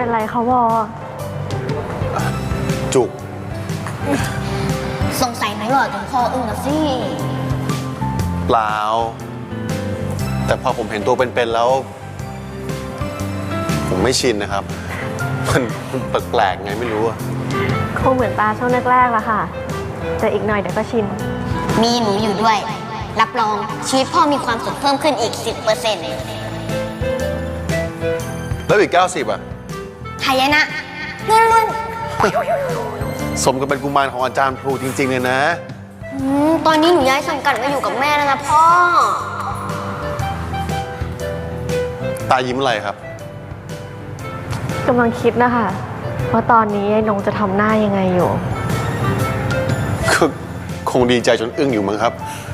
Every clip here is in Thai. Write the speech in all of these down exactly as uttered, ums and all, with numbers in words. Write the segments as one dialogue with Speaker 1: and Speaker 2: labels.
Speaker 1: เป็นไรคะวอ
Speaker 2: จุก
Speaker 3: สงสัยไหมหล่อจนคออึ้งนะสิ
Speaker 2: เปล่าแต่พอผมเห็นตัวเป็นๆแล้ว ผมไม่ชินนะครับมันแปลกๆไงไม่รู้อะ
Speaker 1: คงเหมือนตาช่วงแรกๆละค่ะแต่อีกหน่อยเดี๋ยวก็ชิน
Speaker 3: มีหนูอยู่ด้วยรับรองชีวิตพ่อมีความสุขเพิ่มขึ้นอีก สิบเปอร์เซ็นต์
Speaker 2: แล้วอีกเก้าสิบอะ
Speaker 3: หายนะนุ่น
Speaker 2: ๆสมกับเป็นกุมารของอาจารย์ครูจริงๆเลยนะ
Speaker 3: ตอนนี้หนูย้ายสังกัดมาอยู่กับแม่แล้วนะพ่อ
Speaker 2: ตายิ้มอะไรครับ
Speaker 1: กำลังคิดนะคะว่าตอนนี้ไอ้นงจะทำหน้ายังไงอยู่
Speaker 2: ก็คงดีใจจนอึ้งอยู่มั้งครับ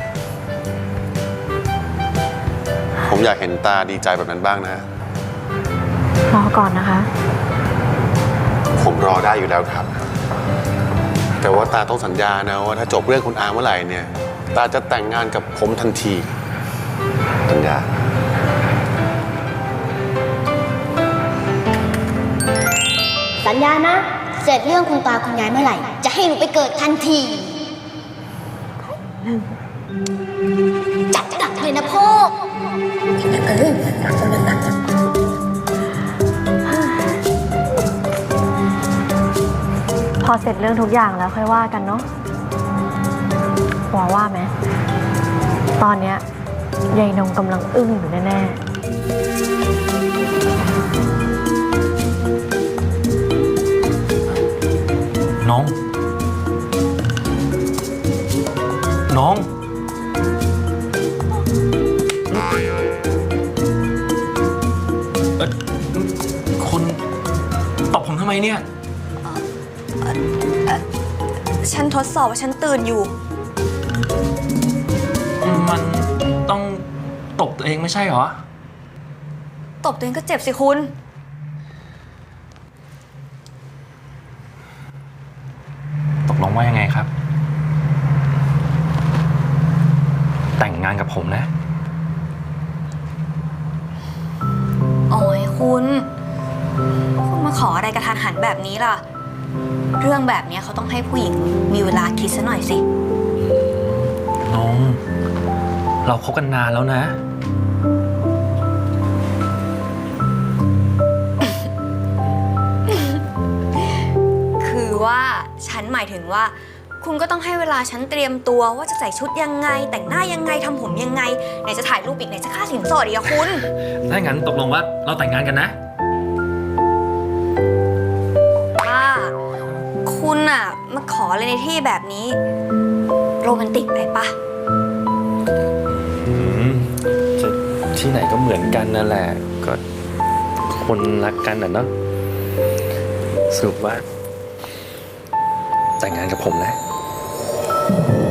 Speaker 2: ผมอยากเห็นตาดีใจแบบนั้นบ้างนะ
Speaker 1: รอก่อนนะคะ
Speaker 2: ผมรอได้อยู่แล้วครับแต่ว่าตาต้องสัญญานะว่าถ้าจบเรื่องคุณอาเมื่อไหร่เนี่ยตาจะแต่งงานกับผมทันทีสัญญา
Speaker 3: สัญญานะเสร็จเรื่องคุณตาคุณยายเมื่อไหร่จะให้หนูไปเกิดทันทีจัดหนักเลยนะพ่อเออหนักหนัก
Speaker 1: พอเสร็จเรื่องทุกอย่างแล้วค่อยว่ากันเนาะว่าว่าไหมตอนเนี้ยยายนงกำลังอึ้งอยู่แน่
Speaker 4: ๆน้องน้องเอ่อคุณตบผมทำไมเนี่ย
Speaker 5: ฉันทดสอบว่าฉันตื่นอยู่
Speaker 4: มันต้องตบตัวเองไม่ใช่เหรอ
Speaker 5: ตบตัวเองก็เจ็บสิคุณ
Speaker 4: ตกลงว่ายังไงครับแต่งงานกับผมนะ
Speaker 5: โอ้ยคุณคุณมาขออะไรกระทันหันแบบนี้ล่ะเรื่องแบบนี้เขาต้องให้ผู้หญิงมีเวลาคิดซะหน่อยสิ
Speaker 4: น้องเราคบกันนานแล้วนะ
Speaker 5: คือว่าฉันหมายถึงว่าคุณก็ต้องให้เวลาฉันเตรียมตัวว่าจะใส่ชุดยังไงแต่งหน้ายังไงทำผมยังไงไหนจะถ่ายรูปอีกไหนจะค่าสินสอดอีกอะคุณ
Speaker 4: ถ้างั้นตกลงว่าเราแต่งงานกันนะ
Speaker 5: คุณอะมาขออะไรในที่แบบนี้โรแมนติกไปปะ
Speaker 4: จะที่ไหนก็เหมือนกันนั่นแหละก็คนรักกันอ่ะเนาะสรุปว่าแต่งงานกับผมนะ